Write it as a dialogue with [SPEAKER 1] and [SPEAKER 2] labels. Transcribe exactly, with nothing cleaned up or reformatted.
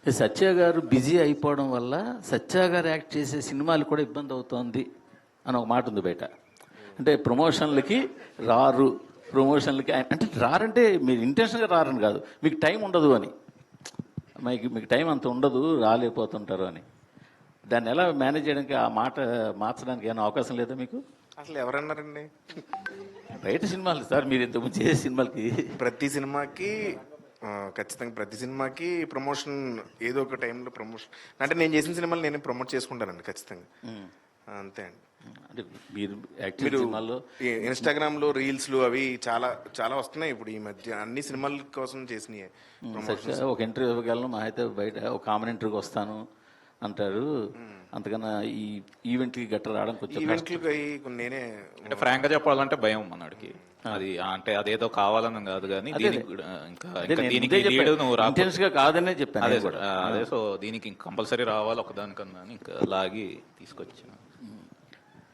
[SPEAKER 1] సత్య గారు బిజీ అయిపోవడం వల్ల సత్య గారు యాక్ట్ చేసే సినిమాలు కూడా ఇబ్బంది అవుతోంది అని ఒక మాట ఉంది బయట. అంటే ప్రమోషన్లకి రారు, ప్రమోషన్లకి ఆయన అంటే రారంటే మీరు ఇంటెన్షన్గా రారని కాదు, మీకు టైం ఉండదు అని, మీకు మీకు టైం అంత ఉండదు, రాలేకపోతుంటారు అని. దాన్ని ఎలా మేనేజ్ చేయడానికి, ఆ మాట మార్చడానికి ఏమైనా అవకాశం లేదా మీకు?
[SPEAKER 2] అసలు ఎవరన్నారండి?
[SPEAKER 1] బయట సినిమాలు సార్, మీరు ఇంతకుముందు చేసే సినిమాలకి
[SPEAKER 2] ప్రతి సినిమాకి ఆ, ఖచ్చితంగా ప్రతి సినిమాకి ప్రమోషన్ ఏదో ఒక టైంలో ప్రమోషన్ అంటే నేను చేసిన సినిమాలు నేను ప్రమోట్ చేసుకుంటానండి ఖచ్చితంగా. అంతే అండి.
[SPEAKER 1] అంటే మీరు యాక్ట్
[SPEAKER 2] మీరు
[SPEAKER 1] సినిమాల్లో
[SPEAKER 2] ఇన్స్టాగ్రామ్లో రీల్స్లు అవి చాలా చాలా వస్తున్నాయి ఇప్పుడు ఈ మధ్య, అన్ని సినిమాల కోసం చేసినాయి ప్రమోషన్స్.
[SPEAKER 1] ఒక ఇంటర్వ్యూకి వెళ్ళను, మా అయితే బయట ఒక కామన్ ఇంటర్వ్యూకి వస్తాను అంటారు. అంతకన్నా ఈ ఈవెంట్కి గట్ట రావడం కొంచెం
[SPEAKER 2] ఈవెంట్లకి అవి నేనే
[SPEAKER 3] అంటే ఫ్రాంక్ గా చెప్పాలంటే భయం మనడికి. అది అంటే అదేదో కావాలని కాదు కానీ దీనికి కూడా ఇంకా ఇంకా దీనికి లీడ్ నువ్వు రా
[SPEAKER 1] ఇంటెన్స్ గా కాదనే చెప్పాను
[SPEAKER 3] అదే
[SPEAKER 1] కూడా.
[SPEAKER 3] అదే సో దీనికి కంపల్సరీ రావాలి ఒకదానికన్నా అని ఇంకా లాగి తీసుకొచ్చాను.